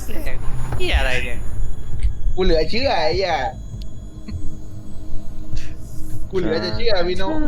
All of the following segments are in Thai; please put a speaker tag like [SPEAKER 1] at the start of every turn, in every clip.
[SPEAKER 1] เหี้ยอะไรเนี่ย
[SPEAKER 2] กูเหลือเชื่อไอ้เหี้ยกูเหลือจะเชื่อพี่โน้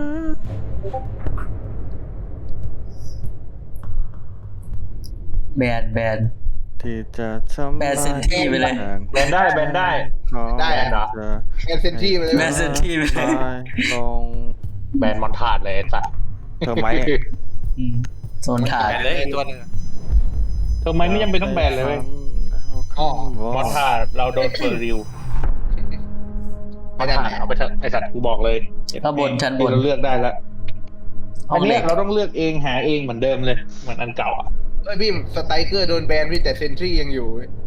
[SPEAKER 3] แบน
[SPEAKER 4] ที่จะทำ
[SPEAKER 3] แบนเซนที่ไปเลย
[SPEAKER 5] แบนได้
[SPEAKER 2] ได้เหรอ
[SPEAKER 4] จะ
[SPEAKER 2] แอนเซนที่ไปเลย
[SPEAKER 3] แบนเซนที่ไปเลย
[SPEAKER 4] ลง
[SPEAKER 5] แบนมอนทาดเลยไอ้สัตว์
[SPEAKER 4] เธอไหม
[SPEAKER 3] โซนถ่าย
[SPEAKER 1] แบนเลยอีกตัวหนึง
[SPEAKER 5] เธอไม่จำเป็นต้องแบนเลยเว้ย
[SPEAKER 2] อ๋อ
[SPEAKER 5] มอนทาดเราโดนเฟอร์ริวมอนทาดเอาไปเถอะไอสัตว์กูบอกเลย
[SPEAKER 3] ข้างบนชั้นบน
[SPEAKER 5] เราเลือกได้แล้ว
[SPEAKER 3] ห้
[SPEAKER 5] อั
[SPEAKER 3] อน งเห
[SPEAKER 5] เนี้
[SPEAKER 3] ล็
[SPEAKER 5] ย
[SPEAKER 3] ก
[SPEAKER 5] เราต้องเลือกเองหาเองเหมือนเดิมเลยเหมือนอันเก่าอ่ะ
[SPEAKER 2] เอ้ยพี่สไตรเกอร์โดนแบนพี่แต่เซนทรียังอยู่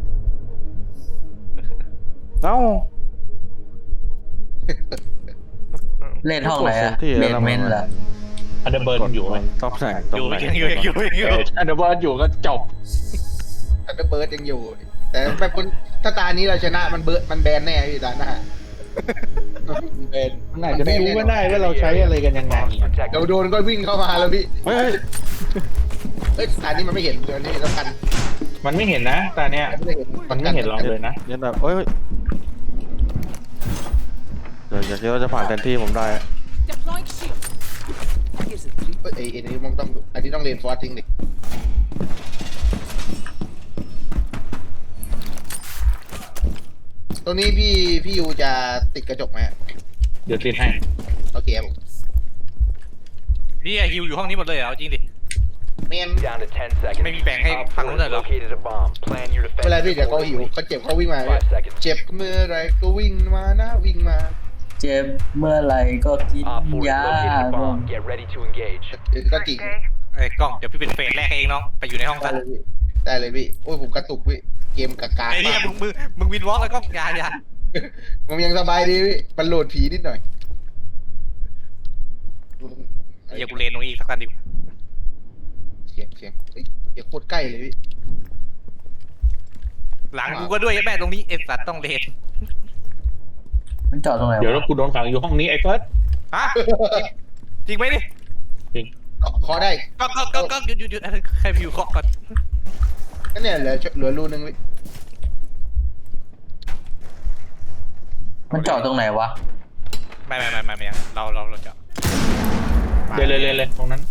[SPEAKER 4] เอ้า
[SPEAKER 3] เล่นห้องไหนอะ
[SPEAKER 4] ที่
[SPEAKER 3] เบ
[SPEAKER 4] แล้ว
[SPEAKER 3] นเมนต์เหรอ
[SPEAKER 5] อันเดอร์เบิร์นอยู่ไหม
[SPEAKER 4] ต๊อบแสง
[SPEAKER 1] อยู่อยู่
[SPEAKER 5] อันเดอร์เบิร์นอยู่ก็จบ
[SPEAKER 2] อันเดอร์เบิร์ดยังอยู่ แต่แบบคนถ้าตานี้เราชนะมันมันแบนแน่พี่ตาหน้ามันแบน
[SPEAKER 5] มันอาจจะไม่รู้ก็ได้ว่าเราใช้อะไรกันยังไง
[SPEAKER 2] เดี๋ยวโดนก็วิ่งเข้ามาแล้วพี่
[SPEAKER 4] เฮ้ย
[SPEAKER 2] เอ้ยตานี้มันไม่เห็นเดี๋ยวนี้แล้วกัน
[SPEAKER 5] มันไม่เห็นนะตาเนี้ย
[SPEAKER 2] ไม่ได้เห็น
[SPEAKER 5] มันไม่เห็นเราเลยนะ
[SPEAKER 4] ยันแบบเอ้ยเดี๋ยวอย่าคิดว่าจะผ่านแทนที่ผมได้
[SPEAKER 6] Deploying shield.
[SPEAKER 2] เอ้ยไอ้นี่มันต้องอันนี้ต้องเรียนฟอร์สทิ้งดิตรงนี้พี่ยูจะติดกระจกไหม
[SPEAKER 5] เดี๋ยวติดให้
[SPEAKER 2] โอเคครับผม
[SPEAKER 1] นี่ฮิวอยู่ห้องนี้หมดเลยเหรอจริงดิ
[SPEAKER 2] เมน
[SPEAKER 7] Down to 10 seconds.
[SPEAKER 1] ไม่มีแบ่งให้ฝั่งนู้นเลยเหรอ
[SPEAKER 7] Located a bomb. Plan your
[SPEAKER 2] เวลา
[SPEAKER 7] defense.
[SPEAKER 2] พี่เดี๋ยวเขาหิวเขาเจ็บเขาวิ่งมา
[SPEAKER 7] 5 seconds.
[SPEAKER 2] เจ็บเมื่อไรก็วิ่งมานะวิ่งมา
[SPEAKER 3] เจ็บเมื่อไหร่ก็กิน
[SPEAKER 7] Op 4
[SPEAKER 3] ยา
[SPEAKER 7] located a bomb. Get ready to engage.
[SPEAKER 2] ก็จริง
[SPEAKER 1] ไอ้กล้องเดี๋ยวพี่เป็นเฟสแรกเองน้องไปอยู่ในห้อง
[SPEAKER 2] ได้
[SPEAKER 1] ซะ
[SPEAKER 2] เลยพี่ได้เลยพี่โอ้ยผมกระตุกพี่เกมกากา
[SPEAKER 1] ไอ้เนี่ย
[SPEAKER 2] มาก
[SPEAKER 1] มึงวินวอล์กแล้วก็อย่า
[SPEAKER 2] ผมยังสบายดีพี่มันโหลดผีนิดหน่อย
[SPEAKER 1] อย่ากูเลนตรงนี้อีกสักกันดิ
[SPEAKER 2] เสียงเฮ้ยเสียงโคตรใกล้เลยพี่
[SPEAKER 1] หลังกูก็ด้วยแม่ตรงนี้เอ็สัตต้องเลน
[SPEAKER 3] มันจอดตรงไหน
[SPEAKER 5] เดี๋ยว
[SPEAKER 3] วะ
[SPEAKER 5] เรากูโดนขังอยู่ห้องนี้ไอ้เฟิร์ส
[SPEAKER 1] ฮะจริงไหมดิ
[SPEAKER 2] ขอได้
[SPEAKER 1] ก็หยุดใครพิวเคาะก่อน
[SPEAKER 2] ก็เนี่ยเหลือรูนึงพี่
[SPEAKER 3] มันจอดตรงไหนวะ
[SPEAKER 1] ไม่เราจะ
[SPEAKER 5] เลยตรงนั้น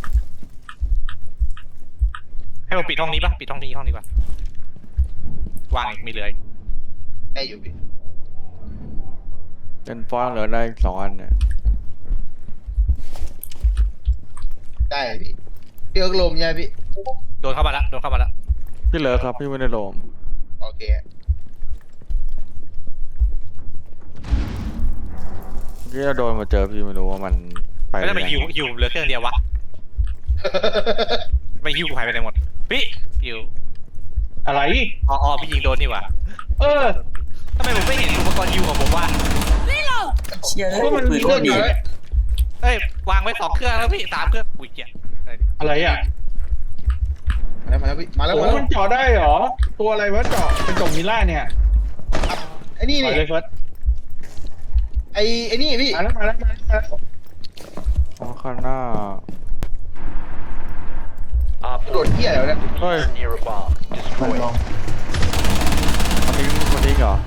[SPEAKER 1] ให้ผมปิดห้องนี้ป่ะปิดห้องนี้ดีกว่าวางอีกมีเหลือ
[SPEAKER 2] ได้อยู่พี่
[SPEAKER 4] เป็นฟอนเหลือได้2 อันเนี่ย
[SPEAKER 2] ได้พี่พี่เอิร์กลมใช่ไหมพี่
[SPEAKER 1] โดนเข้ามาแล้ว
[SPEAKER 4] พี่เหลือครับพี่ไม่ได้โลม
[SPEAKER 2] โอเค
[SPEAKER 4] ที่เราโดนมาเจอพี่ไม่รู้ว่ามันไป
[SPEAKER 1] แล้วทำไมฮิวเหลือเครื่องเดียววะไม่ฮิวกูหายไปไหนหมดพี่ฮิว
[SPEAKER 5] อะไร
[SPEAKER 1] อ๋อพี่ยิงโดนนี่หว่า
[SPEAKER 5] เออ
[SPEAKER 1] ทำไมผมไม่เห็นอุปกรณ์ฮิวของผมว่า
[SPEAKER 3] เชี่ย
[SPEAKER 5] ก็มัน
[SPEAKER 3] ปื
[SPEAKER 5] มี
[SPEAKER 3] นโค
[SPEAKER 5] เรื่อง
[SPEAKER 3] ตรดี
[SPEAKER 5] เดียว
[SPEAKER 1] เอ้ยวางไว้2 เครื่องแล้วพี่3 เครื่องอุ้ยเจี๊ย
[SPEAKER 5] อะไรอ่ะ
[SPEAKER 2] มาแล้วพี่มาแล้ว
[SPEAKER 5] โอ้มันเจาะได้เหรอตัวอะไรวะเจาะเป็นจงมิล่าเนี่ย
[SPEAKER 2] ไอ้นี่
[SPEAKER 5] ไป
[SPEAKER 2] นี่
[SPEAKER 5] เลยเฟิร์ส
[SPEAKER 2] ไอ้นี่พี่
[SPEAKER 5] มาแล้ว
[SPEAKER 4] อ๋อข้างหน้า
[SPEAKER 7] Op
[SPEAKER 2] โด
[SPEAKER 7] 4
[SPEAKER 2] ดเที่ยแล้วเนี่ย
[SPEAKER 4] เฮ้ย
[SPEAKER 7] near a bomb.
[SPEAKER 3] มัน
[SPEAKER 7] Destroy
[SPEAKER 3] ล
[SPEAKER 7] it.
[SPEAKER 3] ง
[SPEAKER 4] มันทิ้งเหรอ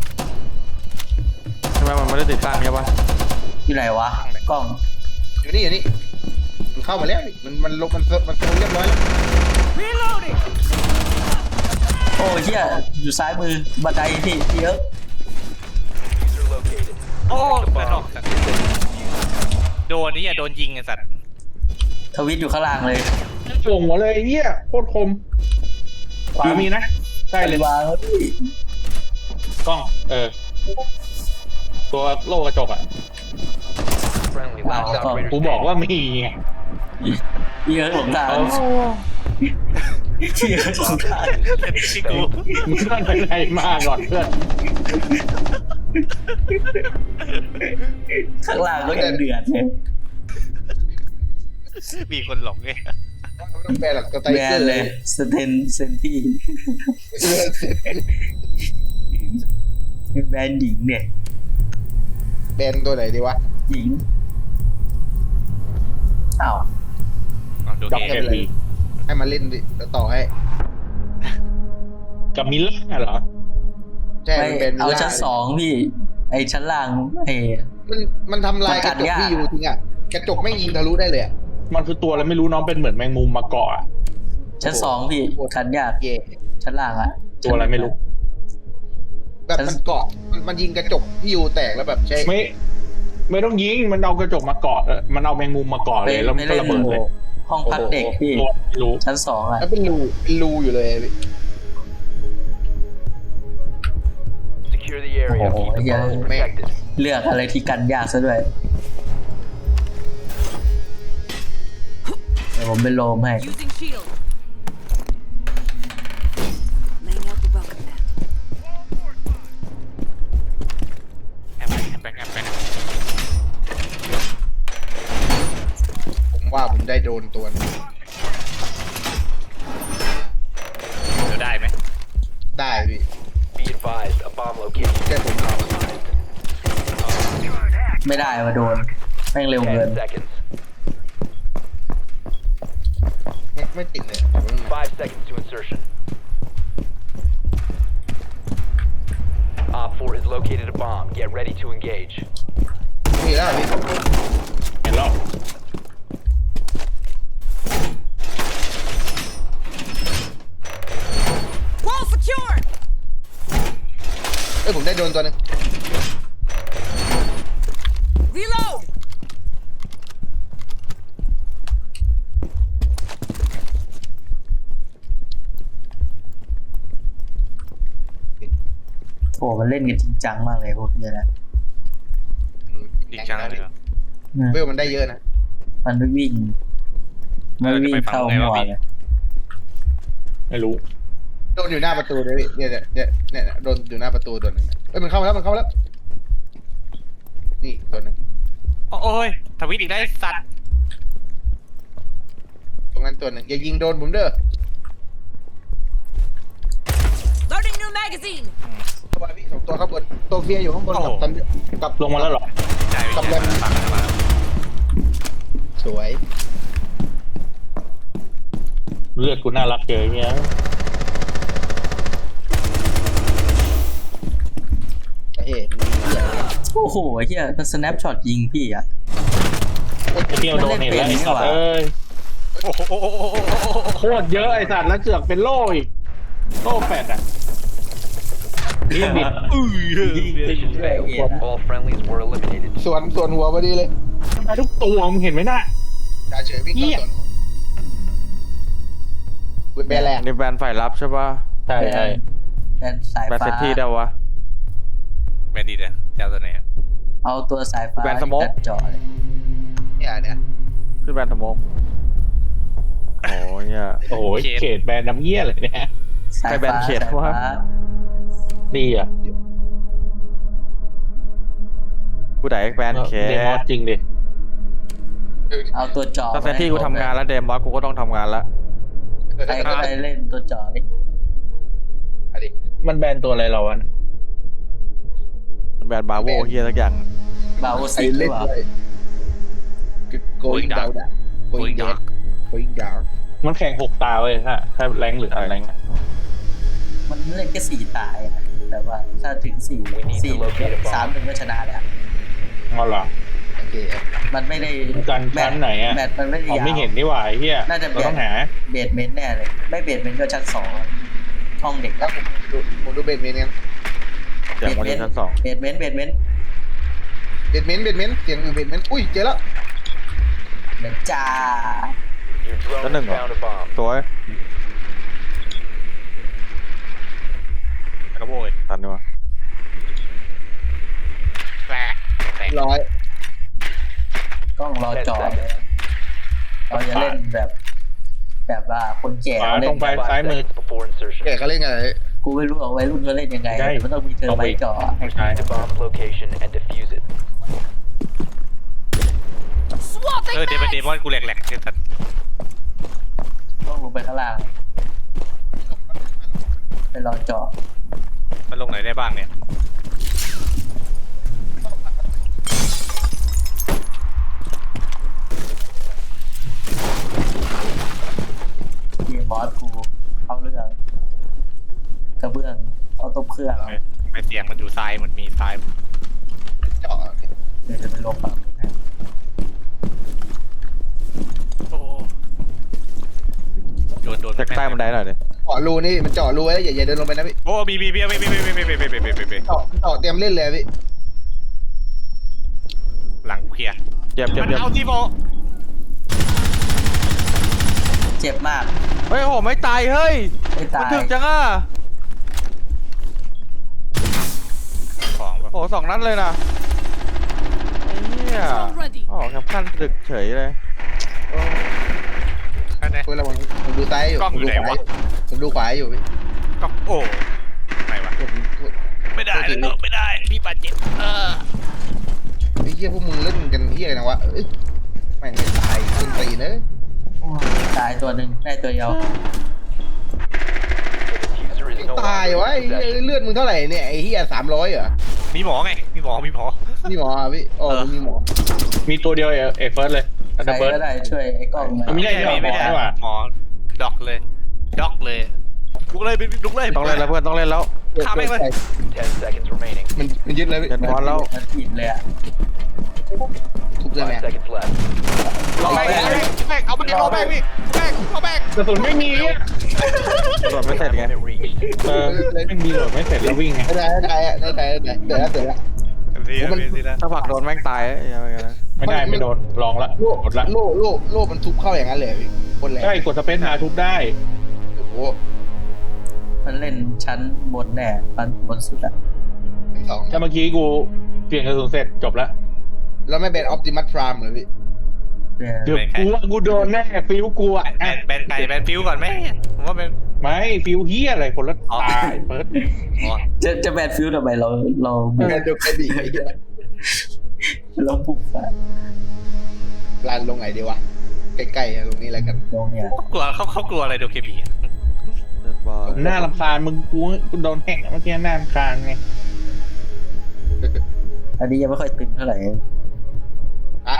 [SPEAKER 4] ใช่ไหมมันไม่ได้ติดตั้งใช่ปะ
[SPEAKER 3] อยู่ไหนวะกล้อง
[SPEAKER 2] อยู่นี่มันเข้ามาแล้วพี่มันลงมันโซนเรียบร้อยแล้ว
[SPEAKER 6] Reloading.
[SPEAKER 3] โอ้เชี่ยอยู่ซ้ายมือบันไดพี่เยอะ
[SPEAKER 7] User located.
[SPEAKER 1] โอ้
[SPEAKER 7] The
[SPEAKER 1] กระท
[SPEAKER 7] bomb.
[SPEAKER 1] โดนนี่โดนยิงไอ้สัตว์
[SPEAKER 3] ทวิตอยู่ข้างล่างเลย
[SPEAKER 5] ส่งหัวเลยเหี้ยโคตรคมขวามีนะใช่เลยว
[SPEAKER 3] างแล้วพี่
[SPEAKER 5] กล้องตัวโล่กระจกอ่ะ
[SPEAKER 7] Friendly last operator
[SPEAKER 5] กูบอกว่ามีไง
[SPEAKER 3] เยอะหลงทางเยอะหลงทาง
[SPEAKER 1] ที่กู
[SPEAKER 5] มึงต้องไปไหนมาก่อนเพื่อน
[SPEAKER 3] ข้างล่างก็ยังเดือดเลย
[SPEAKER 1] มีคนหลงไง
[SPEAKER 2] ไม่ต้องแบนหรอกสไตร
[SPEAKER 3] แบ
[SPEAKER 2] เกอน ร์
[SPEAKER 3] เลยสเตนเซนที่แบนหญิงเนี่ย
[SPEAKER 2] แบนตัวไหนดีวะ
[SPEAKER 3] หญิงอ้าว
[SPEAKER 1] ดู
[SPEAKER 5] ด็อก
[SPEAKER 1] เก
[SPEAKER 5] เอ
[SPEAKER 1] ม
[SPEAKER 5] พี
[SPEAKER 2] ให้มาเล่นดิแล้วต่อให้
[SPEAKER 5] กับมิลล่าเหรอ
[SPEAKER 2] ใช่
[SPEAKER 3] ไม่
[SPEAKER 2] มันเป็น
[SPEAKER 3] เอา
[SPEAKER 2] วิลล่
[SPEAKER 3] ชั้นสองพี่ ไอชั้นล่างไอ
[SPEAKER 2] มันทำลายกระจกที่อยู่จริงอ่ะกระจกไม่ยิงทะลุได้เลยอะ
[SPEAKER 5] มันคือตัวอะไรไม่รู้น้องเป็นเหมือนแมงมุมมาเกาะอะ
[SPEAKER 3] ชั้นสองพี่กันยาก
[SPEAKER 2] เย่
[SPEAKER 3] ชั้นล่างอะ
[SPEAKER 5] ตัวอะไรไม่รู้
[SPEAKER 2] แบบมันเกาะมันยิงกระจกที่อยู่แตกแล้วแบบใช่
[SPEAKER 5] ไม่ต้องยิงมันเอากระจกมาเกาะมันเอาแมงมุมมาเกาะเลยแล้วมันก็ระเบิดเลย
[SPEAKER 3] ห้องพักเด็กพี่
[SPEAKER 5] ตัวไม่รู้
[SPEAKER 3] ชั้นสองอะ
[SPEAKER 2] แล้วเป็นรูอยู่เลย
[SPEAKER 7] Secure the area.
[SPEAKER 3] Oh,
[SPEAKER 7] Keep the
[SPEAKER 3] yeah.
[SPEAKER 7] bombs protected.
[SPEAKER 3] เลือกอะไรที่กันยากซะด้วยเดี๋ยวผมเป็นโลมให้
[SPEAKER 6] Using shield. Laying out the welcome mat.
[SPEAKER 1] แอบไปแอบไป
[SPEAKER 2] ผมว่าผมได้โดนตัวนึง
[SPEAKER 1] เดี๋ยวได้ไหม
[SPEAKER 2] ได้พี่
[SPEAKER 7] Be advised, a bomb location
[SPEAKER 2] แค่ผม
[SPEAKER 7] compromised.
[SPEAKER 3] ไม่ได้มาโดนแม่งเร็วเกิน
[SPEAKER 7] 10 seconds.
[SPEAKER 2] ไม่ติดเลย
[SPEAKER 7] 5 seconds to insertion. Op 4 has located a bomb. Get ready to engage.
[SPEAKER 2] มีแล้วพี่
[SPEAKER 5] เห็นแล้ว
[SPEAKER 6] Wall secured.
[SPEAKER 2] เอ้ยผมได้โดนตัวนึง
[SPEAKER 6] Reload.
[SPEAKER 3] โอ้มันเล่นกันจริงจังมากเลยพวกนี้นะ
[SPEAKER 1] จริงจังเลยเหรอ
[SPEAKER 2] เวลมันได้เยอะนะ
[SPEAKER 3] มันไม่วิ่งไม่วิ่งเข้าหัวเลย
[SPEAKER 5] ไม่รู้
[SPEAKER 2] โดนอยู่หน้าประตูเลยพี่เนี่ยโดนอยู่หน้าประตูตัวหนึ่งเอ้ยมันเข้ามาแล้วนี่ตัวหนึ่ง
[SPEAKER 1] โอ้ยทวิตอีกได้สัตว์
[SPEAKER 2] ตรงนั้นตัวหนึ่งอย่ายิงโดนผมเด้อ
[SPEAKER 6] Loading new magazine.
[SPEAKER 2] เข้าไปพี่สองตัวข้างบนตัวเฟียอยู่ข้างบนกับ
[SPEAKER 5] ลงมาแล้วเหรอ
[SPEAKER 1] ใจไม่ใจฟังมา
[SPEAKER 2] สวย
[SPEAKER 5] เลือดกูน่ารักเกินเนี่ย
[SPEAKER 2] เฮ้ย
[SPEAKER 3] โอ้โหเฮียมัน snapshot ยิงพี่อะ
[SPEAKER 5] ไอ้เที่ยวโดนเห็นแล้วไอ้สัตว์เอ้ย
[SPEAKER 1] โอ้โห
[SPEAKER 5] โคตรเยอะไอ้สัตว์แล้วเสือกเป็นโล่อีกโล่แปดอ่ะเรียกบิด
[SPEAKER 7] Mission failed. All friendlies were eliminated.
[SPEAKER 2] สวนหัวพอดีเลย
[SPEAKER 5] มาทุกตัวมึงเห็นไหมน่ะ
[SPEAKER 2] จ่าเฉยวิ่งเข้าสวนเว็บแบร์แลนด์
[SPEAKER 4] นี่แบรนด์ฝ่ายรับใช่ป่ะ
[SPEAKER 5] ใช่ใช่
[SPEAKER 3] แบนสาย
[SPEAKER 4] แบรนด์
[SPEAKER 3] ฟ้า
[SPEAKER 4] เซนที่ได้วะ
[SPEAKER 1] แบนดีเลยเจ้าตัวไหน
[SPEAKER 3] เอาตัวสายฟ้า
[SPEAKER 4] แบนสโมก
[SPEAKER 3] ตัดเจาะเลย
[SPEAKER 2] เนี่ย
[SPEAKER 4] คือแบรนด์สโมกโอ้ยเนี่ย
[SPEAKER 5] โอ้โหเขตแบรนด์น้ำเยี่ยเลยเนี่ย
[SPEAKER 3] สาย
[SPEAKER 4] ใครแบ
[SPEAKER 3] ฟ้าน
[SPEAKER 4] เขต
[SPEAKER 3] สายว
[SPEAKER 4] ะ
[SPEAKER 3] ฟ้า
[SPEAKER 5] ดีอ่ะ
[SPEAKER 4] กูไหนแบรนด์เค
[SPEAKER 5] เดมอสจริงดิ
[SPEAKER 3] เอาตัวเจาะ
[SPEAKER 4] ถ้าเซนที่กูทำงานแล้วเดมอสกูก็ต้องทำงานแล้ว
[SPEAKER 3] ใครก็ได้เล่นตัวเจาะดิ
[SPEAKER 2] อะไร
[SPEAKER 5] มันแบรนด์ตัวอะไรเราอ่ะ
[SPEAKER 4] แบรนด์บาโวเฮียสักอย่าง
[SPEAKER 3] บาโอ
[SPEAKER 2] ไอ
[SPEAKER 3] ซิหรื
[SPEAKER 2] เล่
[SPEAKER 3] อน เปล่า
[SPEAKER 2] เลย going down going down going down
[SPEAKER 5] มันแข่ง6 ตาเว้ยถ้าแรงหรืออะไรนะ
[SPEAKER 3] มันเล่นแค่4 ตายอะแต่ว่าถ้าถึง4 3-1ก็ชนะแล้ว
[SPEAKER 5] อ๋อเหรอ
[SPEAKER 2] โอเค
[SPEAKER 3] มันไม่ได้
[SPEAKER 5] กันชั้นไหนอะ
[SPEAKER 3] แมตช์มันไม่ได้
[SPEAKER 5] อ๋อย
[SPEAKER 3] าว
[SPEAKER 5] ไม่เห็นนี่หว่าไอ้เฮีย
[SPEAKER 3] น่าจะ
[SPEAKER 5] เราต้องหา
[SPEAKER 3] เบสเมนต์แน่เลย ไม่เบสเมนต์ก็ชั้น2ห้องเด็ก
[SPEAKER 2] แล้วผมดูเบดเมนต์กัน
[SPEAKER 4] เดี๋ยววันนี้ชั้น 2
[SPEAKER 3] เบสเมนต์
[SPEAKER 2] เบดเมนต์เสียงเบดเมนต์อุ้ยเจอแล้ว
[SPEAKER 3] เบสจ้า
[SPEAKER 7] Your drone
[SPEAKER 4] Đó
[SPEAKER 7] has
[SPEAKER 4] đừng
[SPEAKER 7] found a bomb.
[SPEAKER 4] สวย
[SPEAKER 1] กระโบย
[SPEAKER 4] ตันดีกว่า
[SPEAKER 1] แตก
[SPEAKER 2] ร้อย
[SPEAKER 3] กล้องรอ
[SPEAKER 7] 10
[SPEAKER 3] จอ
[SPEAKER 7] seconds.
[SPEAKER 3] เราจะเล่นแบบว่าคนแก่
[SPEAKER 5] ขวา
[SPEAKER 3] เล่
[SPEAKER 5] ตร
[SPEAKER 3] น
[SPEAKER 5] งไป
[SPEAKER 3] แบบ
[SPEAKER 5] ซ้ายมือ
[SPEAKER 7] Seconds before insertion.
[SPEAKER 2] แกเขาเล่นกันเลย
[SPEAKER 3] กูไม่รู้ว่าวัยรุ่นเขาเล่นยังไง
[SPEAKER 5] ได้
[SPEAKER 3] แต่มันต้องมีเธอไว้จอ
[SPEAKER 5] ไม่ใช่
[SPEAKER 7] The bomb's location and defuse it.
[SPEAKER 6] Swapping
[SPEAKER 1] เดม
[SPEAKER 6] mags.
[SPEAKER 1] เดมอนกูแหลกๆสัตว์
[SPEAKER 3] ต้องลงไปข้างล่างไปรอจอ
[SPEAKER 1] มันลงไหนได้บ้างเนี่ย
[SPEAKER 3] ทีมบอสกูเอาเรื่องกระเบื้องเอาตบเครื่อง
[SPEAKER 1] ไม่เสียงมันอยู่ซ้ายเหมือนมีซ้าย
[SPEAKER 2] เจาะ
[SPEAKER 3] เดี๋ยวจะไปลงฝั่งให้
[SPEAKER 1] โอ้โดน
[SPEAKER 4] จากใต้บันไดหน่อยดิ
[SPEAKER 2] เจาะรูนี่มันเจาะรูไว้แล้วอย่าเดินลงไปนะพี่
[SPEAKER 1] โอ้บี
[SPEAKER 2] เจาะเตรียมเล่นเลยพี่
[SPEAKER 1] หลังเคลียร์
[SPEAKER 4] เจ็บ
[SPEAKER 1] มันเอาที่โม
[SPEAKER 3] เจ็บมาก
[SPEAKER 4] เฮ้ยโอ้ไม่ตายเฮ้ย
[SPEAKER 3] ไม่
[SPEAKER 4] มั
[SPEAKER 3] ตาน ย
[SPEAKER 4] ถึกจังอ่ะ
[SPEAKER 1] ของแบบ
[SPEAKER 4] โอ้สองนัดเลยนะไอ้เหี้ย
[SPEAKER 6] Drone ready.
[SPEAKER 4] อ๋อครับขั้นตึกเฉยเลย
[SPEAKER 1] อันไหน
[SPEAKER 2] เวลาผมดูซ้ายอยู่
[SPEAKER 1] กล้องอยู่ไหนวะ
[SPEAKER 2] ผมดูขวาอยู่พี่
[SPEAKER 1] ก็โอ้ไหนวะ
[SPEAKER 2] ผม
[SPEAKER 1] ไม่ได้แล้วไม่ได้พี่บาดเจ็บ
[SPEAKER 2] ไอ้เหี้ยพวกมึงเล่นกันเหี้ยนะวะเอ้ยแม่งไม่ตายขึ้นตีเนอะ
[SPEAKER 3] โอ้ยตายตัวหนึ่งได้ตัวเดียว
[SPEAKER 7] Diffuser is no
[SPEAKER 2] ตายวะ
[SPEAKER 7] longer
[SPEAKER 2] ไอ้
[SPEAKER 7] in
[SPEAKER 2] เหี้ย
[SPEAKER 7] possession.
[SPEAKER 2] เลือดมึงเท่าไหร่เนี่ยไอ้เหี้ย300เหรอ
[SPEAKER 1] มีหมอไงมีหมอ
[SPEAKER 2] นี่หมอพี่อ๋อมีหมอ
[SPEAKER 5] มีตัวเดียวเอเฟิร์สเลย
[SPEAKER 3] ใคร
[SPEAKER 5] ดับเบิล
[SPEAKER 3] ก็ได้ช่วยไอ้กล้องหน่อย
[SPEAKER 5] ไม่ได้
[SPEAKER 1] ไม่ได้หมอด็อกเลยด็อกเลยลุกเลยลุกเลย
[SPEAKER 4] ต้องเล่นแล้วเพื่อนต้องเล่นแล้ว
[SPEAKER 1] ฆ่าแม่งเลย
[SPEAKER 7] 10 seconds remaining.
[SPEAKER 2] มันยึดเลยพี่
[SPEAKER 4] เจ็ดบอลแล้ว
[SPEAKER 3] มันผิดเลยอ่ะ
[SPEAKER 2] ทุบเลย
[SPEAKER 7] 5
[SPEAKER 2] แม่
[SPEAKER 7] seconds left.
[SPEAKER 1] เอาแม่งเอาแม่งเอาแม่งพี่แม่งเอาแม่ง
[SPEAKER 5] กระสุนไม่มีอะ
[SPEAKER 4] ตรวจไม่เสร็จไง
[SPEAKER 7] Limit reached.
[SPEAKER 5] ไม่มีโหลดไม่เสร็จแล้ววิ่งไง
[SPEAKER 2] ได้เดี๋ยวเดี๋ยว
[SPEAKER 4] ถ้าผลักโดนแม่งตายยังไงนะ
[SPEAKER 5] ไม่โดนลองละ
[SPEAKER 2] โล่
[SPEAKER 5] กดละ
[SPEAKER 2] โล่มันทุบเข้าอย่างนั้นเลยพี่คนแรง
[SPEAKER 5] ใช่กดสเปซหาทุบได้
[SPEAKER 2] โอ้โห
[SPEAKER 3] มันเล่นชั้นบนแน่บนสุดอ่ะ
[SPEAKER 2] สอง
[SPEAKER 5] แต่เมื่อกี้กูเปลี่ยนกระสุนเสร็จจบละ
[SPEAKER 2] แล้วไม่เป็นออปติมัสพรามเลยพี่
[SPEAKER 3] เดี๋ยว
[SPEAKER 5] เดี๋ยวกูว่ากูโดนแน่ฟิวกูอ่ะ
[SPEAKER 1] แบนไก่แบนฟิวก่อนไหมผมว่าเป็น
[SPEAKER 5] ไม่ฟิวเฮียอะไรคนละตายเฟิร์ส
[SPEAKER 3] จะแบนฟิวทำไมเราบุก
[SPEAKER 2] งานเดียวกันดีไอ้เหี้ย
[SPEAKER 3] เราบุกอะ
[SPEAKER 2] ลานลงไหนดีวะใกล้ๆลงนี้แล้วกัน
[SPEAKER 3] ตรงเนี้ย
[SPEAKER 1] กลัวเขากลัวอะไรโดเคบี
[SPEAKER 4] เจ็ดบอล
[SPEAKER 5] หน้ารำคาญมึงกูโดนแหกเมื่อกี้หน้ารำคาญไง
[SPEAKER 3] อันนี้ยังไม่ค่อยตึงเท่าไหร่
[SPEAKER 2] อะ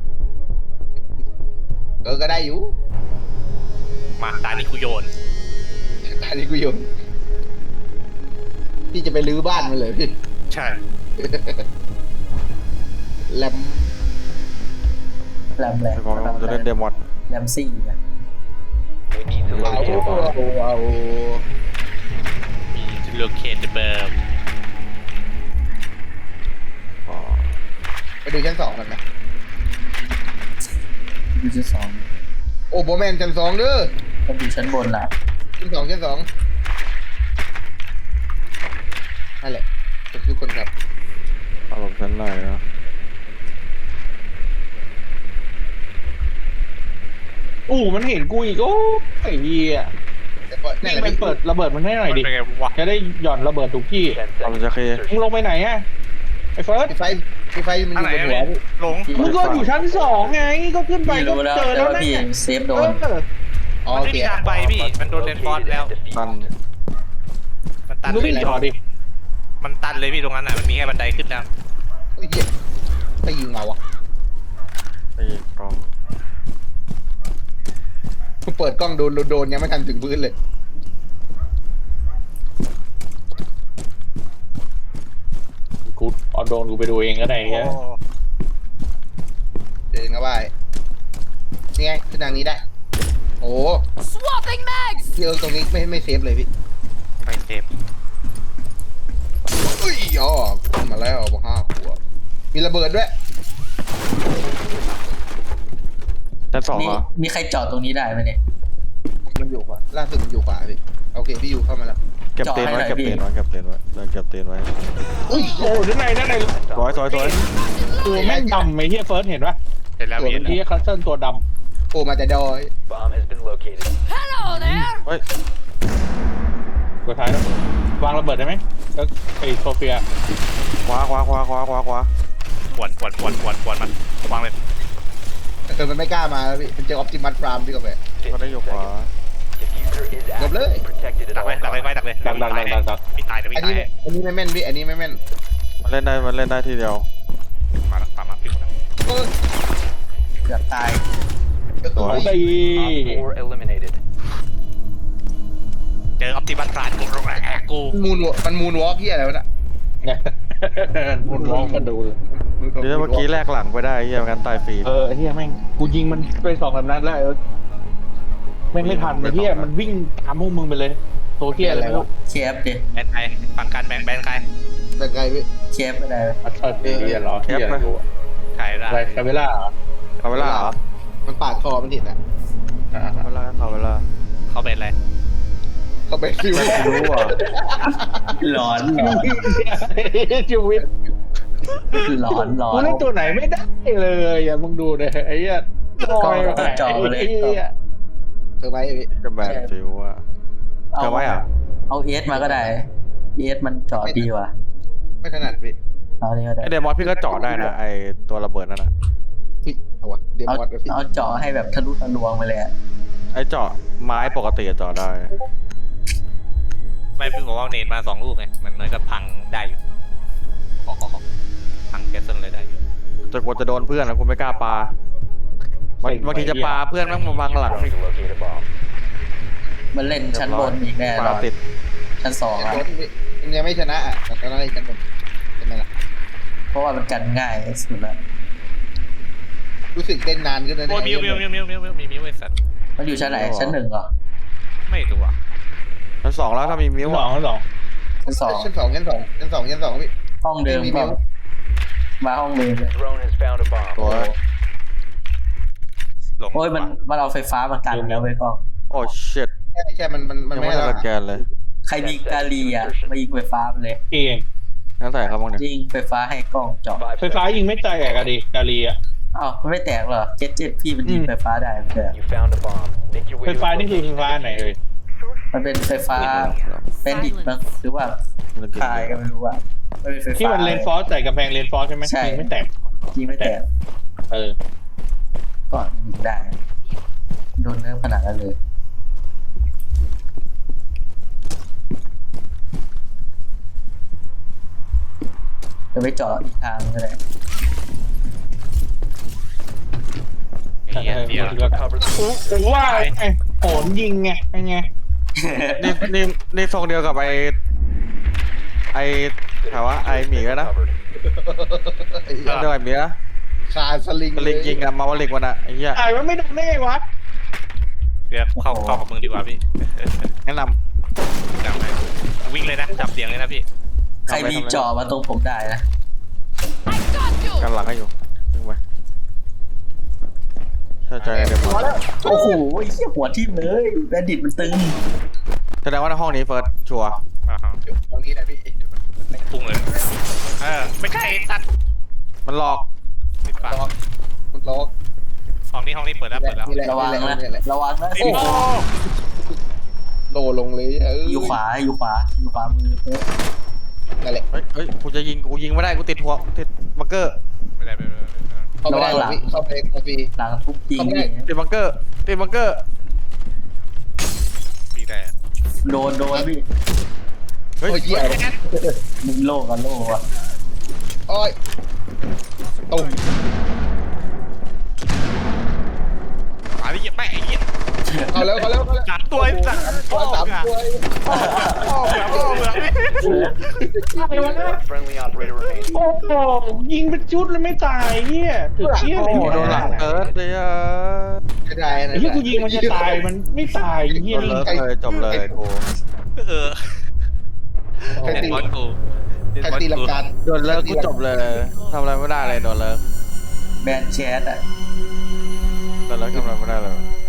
[SPEAKER 2] ก็ได้อยู่
[SPEAKER 1] มาตานี่กูโยน
[SPEAKER 2] อันนี้กูโยนพี่จะไปรื้อบ้านมันเลยพี่
[SPEAKER 1] ใช่
[SPEAKER 2] แลม
[SPEAKER 3] แรม
[SPEAKER 4] เจ็ดบอลจะเล่นเดมอน
[SPEAKER 3] แรมซี่อะ
[SPEAKER 7] We need to
[SPEAKER 2] เอา
[SPEAKER 7] locate a bomb.
[SPEAKER 2] เอา
[SPEAKER 1] มีโลเคทเบิร์ม
[SPEAKER 2] ไปดูชั้น2กันไหม
[SPEAKER 3] ดูชั้นสอง
[SPEAKER 2] โอ้โบแมนชั้น2เด้อ
[SPEAKER 3] ต้องดูชั้นบนล่ะ
[SPEAKER 2] ชั้น2นั่นแหละทุกคนครับ
[SPEAKER 4] เอาผมชั้นหน่อยนะ
[SPEAKER 5] มันเห็นกูอีกโอ้ไอ้เหี้ย
[SPEAKER 2] แต่ก็นั่น
[SPEAKER 5] นี่
[SPEAKER 2] แหละ
[SPEAKER 5] มัน
[SPEAKER 2] พี่
[SPEAKER 5] เปิดระเบิดมันให้หน่อยดิ
[SPEAKER 1] เป็นไงวะ
[SPEAKER 5] จะได้หย่อนระเบิดทุกที่
[SPEAKER 7] 10
[SPEAKER 4] เอา
[SPEAKER 7] seconds
[SPEAKER 4] จะเคลียร์
[SPEAKER 5] มึง
[SPEAKER 7] insertion.
[SPEAKER 5] ลงไปไหนอะไอ้เฟิร์ส
[SPEAKER 2] ไฟมันอยู่บนหัวพี่
[SPEAKER 1] หลง
[SPEAKER 5] มึงก็อยู่ชั้น2ไงก็ขึ้นไป
[SPEAKER 3] พี่
[SPEAKER 5] ก็
[SPEAKER 3] รู้แล้ว
[SPEAKER 5] เจอ
[SPEAKER 3] แต่
[SPEAKER 5] แล้ว
[SPEAKER 3] ว่า
[SPEAKER 5] นะ
[SPEAKER 3] พี่เซฟโดน
[SPEAKER 2] อ๋อ
[SPEAKER 1] มัน
[SPEAKER 2] โอ
[SPEAKER 1] ไม่
[SPEAKER 2] เค
[SPEAKER 1] มีทางไปพี่มันโดนเรนฟอร์ส
[SPEAKER 7] Located
[SPEAKER 1] แล้ว
[SPEAKER 7] and
[SPEAKER 4] ตัน
[SPEAKER 7] defused.
[SPEAKER 1] มันตัน
[SPEAKER 5] มึงวิ่งต่อดิ
[SPEAKER 1] มันตันเลยพี่ตรงนั้นอ่ะมันมีแค่บันไดขึ้นแล้ว
[SPEAKER 2] เฮ้ยเหี้ยใครยิงมาวะ
[SPEAKER 4] ไอ้กล้อง
[SPEAKER 2] เปิดกล้องโดนยังไม่ทันถึงพื้นเลย
[SPEAKER 5] กูเอาโดนกูไปดูเองก็ได้เงี้ย
[SPEAKER 2] เดินเข้าไปนี่ไงขึ้นทางนี้ได้ โอ้
[SPEAKER 6] Swapping mags.
[SPEAKER 2] พี่ตรงนี้ไม่เซฟเลยพี่
[SPEAKER 1] ไปเซฟ
[SPEAKER 2] อุ้ยอ๋อขึ้นมาแล้วบอก5 ขวบมีระเบิดด้วย
[SPEAKER 4] ชั้น2เหรอ
[SPEAKER 3] มีใครจอดตรงนี้ได้ไหมเนี่ย
[SPEAKER 2] มันอยู่ขวาล่าสุดมันอยู่ขวาพี่โอเคพี่อยู่เข้ามาแล้ว
[SPEAKER 4] เก็บเตียนไว้เก็บเตียนไว้เก็บเตียนไว้เดินเก็บเตียนไว้
[SPEAKER 2] อุ้ย
[SPEAKER 5] โอ้ด้านใน
[SPEAKER 4] สวยสวยสวย
[SPEAKER 5] ตัวแม่งดำไอ้เหี้ยเฟิร์สเห็นปะ
[SPEAKER 1] เห็นแล้ว
[SPEAKER 5] ตัว
[SPEAKER 1] เห็น
[SPEAKER 5] เหี้ยคัสเซิลตัวด
[SPEAKER 2] โอ้มาแต่ดอย
[SPEAKER 7] Bomb has been located.
[SPEAKER 6] Hello there.
[SPEAKER 4] เฮ้ย
[SPEAKER 5] ำตัวท้ายแล้ววางระเบิดได้ไหมแล้วไอ้โซเฟีย
[SPEAKER 4] ขวา
[SPEAKER 1] ขวนมันวางเลย
[SPEAKER 2] แต่มันไม่กล้ามาแล้วพี่มันเจอออปติมัสพรามพี่ก็ไป
[SPEAKER 4] ก็ได้อยู่ขวา
[SPEAKER 7] Diffuser is
[SPEAKER 2] Đập
[SPEAKER 7] active
[SPEAKER 2] lưới.
[SPEAKER 7] and protected at
[SPEAKER 1] ดัก
[SPEAKER 7] all
[SPEAKER 1] เลยดักเลย
[SPEAKER 7] times.
[SPEAKER 1] ไปดักเลย
[SPEAKER 5] ดัก
[SPEAKER 1] พี่ตายเดี๋ยว
[SPEAKER 2] อัน
[SPEAKER 1] พี่
[SPEAKER 2] นี้
[SPEAKER 1] ตาย
[SPEAKER 2] ไม่แม่นพี่อันนี้ไม่แม่น
[SPEAKER 4] มันเล่นได้ทีเดียว
[SPEAKER 1] มาแล้วตามมาพี่หมดแล้ว
[SPEAKER 2] เออ
[SPEAKER 3] เกือบตาย
[SPEAKER 5] สวยตี
[SPEAKER 7] Op 4 eliminated.
[SPEAKER 1] เจอออปติมัสพลานกู
[SPEAKER 2] มันมูนวอล์กที่อะไรวะน่ะ
[SPEAKER 5] มันร้องมาดูเลย
[SPEAKER 4] เดี๋ยวเมื่อกี้แลกหลังไปได้เฮียกันตายฟรี
[SPEAKER 5] ไอ้เหี้ยแม่งกูยิงมันไป2-3 นัดแล้วแม่งไม่ทันไอ้เหี้ยมันวิ่งตามพวกมึงไปเลยโซเทียอะไรไม่รู้
[SPEAKER 3] เคฟดิ
[SPEAKER 1] แบนใครฝั่งกันแบนใคร
[SPEAKER 2] แต่ไงพี่
[SPEAKER 3] เคฟไม่ได้
[SPEAKER 5] อัลเทอร์เทียเหรอเทียอะไรกู
[SPEAKER 1] ใครได้
[SPEAKER 5] อะไรคาเวล่าเหรอ
[SPEAKER 4] เอาเวลาเหรอ
[SPEAKER 2] มันปาดคอมันผิดอ่ะ
[SPEAKER 4] เอาเวลาเอาเวลา
[SPEAKER 1] เขาเป็นอะไร
[SPEAKER 2] เขาไปฟิว
[SPEAKER 4] ไม่รู้อ่ะ
[SPEAKER 3] หลอน
[SPEAKER 5] ชีวิต
[SPEAKER 3] หลอนหลอ
[SPEAKER 5] กู
[SPEAKER 3] น
[SPEAKER 5] เล่นตัวไหนไม่ได้เลยอย่ามึงดูเลยไอ้เหี้ยลอยไป
[SPEAKER 3] จ่อเลย
[SPEAKER 5] ไอ้เหี้ย
[SPEAKER 2] เธอไหมพี่
[SPEAKER 4] จะแบนฟิวอ่ะเจอไว้อ่ะ
[SPEAKER 3] เอาเอสมาก็ได้เอสมันจอดดีว่ะ
[SPEAKER 2] ไม่ถนัดพี่
[SPEAKER 3] เอานี่ก็ได้
[SPEAKER 4] ไอเดมอนพี่ก็เจาะได้นะไอตัวระเบิดนั่นน่ะ
[SPEAKER 2] พี่เอาวะเด
[SPEAKER 3] เอา
[SPEAKER 2] มอนพี่
[SPEAKER 3] เอาเจาะให้แบบทะลุทะลวงไปเลยอะ
[SPEAKER 4] ไอเจาะไม้ปกติเจาะได้
[SPEAKER 1] ไม่เพิ่งบอกว่าเนตมา2 ลูกไงมันเหมือนกับพังได้อยู่พังแกสเซิลเลยได้อยู่
[SPEAKER 4] แต่กลัวจะโดนเพื่อนนะกูไม่กล้าปาบางทีจะปาเพื่อนแม่งมาบังหลัง
[SPEAKER 7] Need to locate a bomb.
[SPEAKER 3] มันเล่นชั้นบนอีกแน่น
[SPEAKER 4] ปา
[SPEAKER 3] อน
[SPEAKER 4] ติด
[SPEAKER 3] ชั้น2
[SPEAKER 2] แต่
[SPEAKER 3] อ่ะ
[SPEAKER 2] รถพี่มันยังไม่ชนะอ่ะแต่ชนะได้กันหมดเป็นไงล่ะ
[SPEAKER 3] เพราะว่ามันกันง่ายสุดละ
[SPEAKER 2] รู้สึกเต้นนานขึ้นนะ
[SPEAKER 1] โอ้ยมิวไอ้สัตว์
[SPEAKER 3] มันอยู่ชั้นไหนชั้น 1เหรอ
[SPEAKER 1] ไม่รู้อ่ะ
[SPEAKER 4] ชั้น2แล้วถ้ามีมิ้ว
[SPEAKER 5] ชั้นสอง
[SPEAKER 3] ชั้น
[SPEAKER 2] ชั้น2ชั้น2พี่
[SPEAKER 3] 2ห้องเดิม
[SPEAKER 2] มี
[SPEAKER 3] เปล่ามาห้องเดิมเลย
[SPEAKER 7] Drone has found a bomb.
[SPEAKER 4] ตัว
[SPEAKER 1] หลง
[SPEAKER 3] โอ้ยมันเอาไฟฟ้ามากันแล้วไว้ยกล้อง
[SPEAKER 4] โอ้ชิต
[SPEAKER 2] ใช่มัน
[SPEAKER 4] ยัง
[SPEAKER 2] ไม่
[SPEAKER 4] ไม่
[SPEAKER 2] ให้
[SPEAKER 4] ได้
[SPEAKER 2] เรา
[SPEAKER 4] สแกนเลย
[SPEAKER 3] ใครมีกาลีอ่ะมายิงไฟฟ้าไปเลย
[SPEAKER 5] เอง
[SPEAKER 4] งั้นใส่ครับบ้างเนี่ย
[SPEAKER 3] ยิงไฟฟ้าให้กล้องเจาะ
[SPEAKER 5] ไฟฟ้ายิงไม่ใจแอกอะดิกาลีอะ
[SPEAKER 3] อ้าวมันไม่แตกเหรอเจ็ดพี่มันยิงไฟฟ้าได้ไม่ใช่เหรอ
[SPEAKER 7] You found a bomb. Make your way
[SPEAKER 5] ไฟ
[SPEAKER 7] to
[SPEAKER 5] ฟ้า
[SPEAKER 7] the
[SPEAKER 5] นี่คือไฟ
[SPEAKER 7] location.
[SPEAKER 5] ฟ้าไหนเลย
[SPEAKER 3] มันเป็นไฟฟ้าเป็นดิบมั้งหรือว่าคายก็ไม่รู้ว่ามันเป็นไฟฟ้า
[SPEAKER 5] ที่มันเลนฟอสใส่กำแพงเลนฟอสใช่ไหม
[SPEAKER 3] ใช่
[SPEAKER 5] ยิงไม่แตก
[SPEAKER 3] ยิงไม่แตก
[SPEAKER 5] เออ
[SPEAKER 3] ก่อนยิงได้โดนเนื้อขนาดนั้นเลยจะไปเจาะอีกทางก็ได้
[SPEAKER 1] เหี้ยเดี๋ยว
[SPEAKER 7] Cover the
[SPEAKER 5] ผมว่าไอ้โหนยิงไงไง
[SPEAKER 4] นี่ทรงเดียวกับไอถามว่าไอหมีก็นะ
[SPEAKER 7] covered.
[SPEAKER 4] เดียวกับไอหมีนะ
[SPEAKER 2] คาสลิง
[SPEAKER 4] ลิงยิงอะมาวลิกวันอะไอ้เหี้ย
[SPEAKER 5] ไอ้มันไม่โดนได้ไงวะ
[SPEAKER 1] เดี๋ยวเข้ากับมึงดีกว่าพี่
[SPEAKER 4] แนะน
[SPEAKER 1] จับไปวิ่งเลยนะจับเสียงเลยนะพี่
[SPEAKER 3] ใครมีเจาะมาตรงผมได้นะ
[SPEAKER 6] I got you!
[SPEAKER 4] ำกันหลังให้อยู่ยิงไปเชื่อใจเดี๋ยว
[SPEAKER 3] โอ้โหไอ้เหี้ยหัวทิ่มเลยแบนดิตมันตึง
[SPEAKER 4] แสดงว่าในห้องนี้เฟิร์สชัวร์
[SPEAKER 1] อ่าฮะ
[SPEAKER 2] ตรงนี้นะพี่
[SPEAKER 1] พุ่งเลยไม่ใช่สัตว์
[SPEAKER 4] มันหลอก
[SPEAKER 1] ปิดปาก
[SPEAKER 2] ล็อกล็อก
[SPEAKER 1] ห้องนี้เปิดแล้ว
[SPEAKER 2] นี่แหละ
[SPEAKER 3] ระวังนะระวังนะ
[SPEAKER 1] โอ้โห
[SPEAKER 2] โดลงเลย
[SPEAKER 3] อยู่ขวามือ
[SPEAKER 2] นั่นแหละ
[SPEAKER 4] เฮ้ยกูจะยิงกูยิงไม่ได้กูติดหัวติดบังเกอร์
[SPEAKER 1] ไม่ได้
[SPEAKER 2] เข้าไม่ได้หรอกพี่เข้าไปคาฟี
[SPEAKER 3] หลังทุบจริงนี่
[SPEAKER 4] ติดบังเกอร์ติดบังเกอร์
[SPEAKER 1] พี่ได้
[SPEAKER 3] โดนพี่
[SPEAKER 4] เฮ้ย
[SPEAKER 2] โอ้ยเหี้ย
[SPEAKER 3] มึงโลกกับโลกอ่ะ
[SPEAKER 2] โอ้ยตุ่ม
[SPEAKER 1] อะไรเงี้ยไม่ไอ้เงี้ย
[SPEAKER 2] เอาแล้ว
[SPEAKER 1] จัดตัวสัตว์
[SPEAKER 2] สามตัว
[SPEAKER 7] Friendly operator remaining.
[SPEAKER 5] โอ้โหยิงเป็นชุดเลยไม่ตายเหี้ยถึงเชี่ย
[SPEAKER 4] โอ้
[SPEAKER 5] เลย
[SPEAKER 4] โหโดนหลังเอิร์ธเลยอ่ะ
[SPEAKER 2] ไม่ได้นะ
[SPEAKER 5] ไอ้เหี้ยกูยิงมันจะตายมันไม่ตายเหี้ย
[SPEAKER 4] โดน
[SPEAKER 5] นี่
[SPEAKER 4] เลิกเลยจบเลยกู
[SPEAKER 2] ใคร
[SPEAKER 1] เด็ด
[SPEAKER 2] ตี
[SPEAKER 1] บอลกู
[SPEAKER 2] ใครตีลังการ
[SPEAKER 4] โดนเลิกกูจบเลยทำอะไรไม่ได้เลยโดนเลิก
[SPEAKER 3] แบนแชทอ่ะ
[SPEAKER 4] โดนเลิกทำอะไรไม่ได้เลย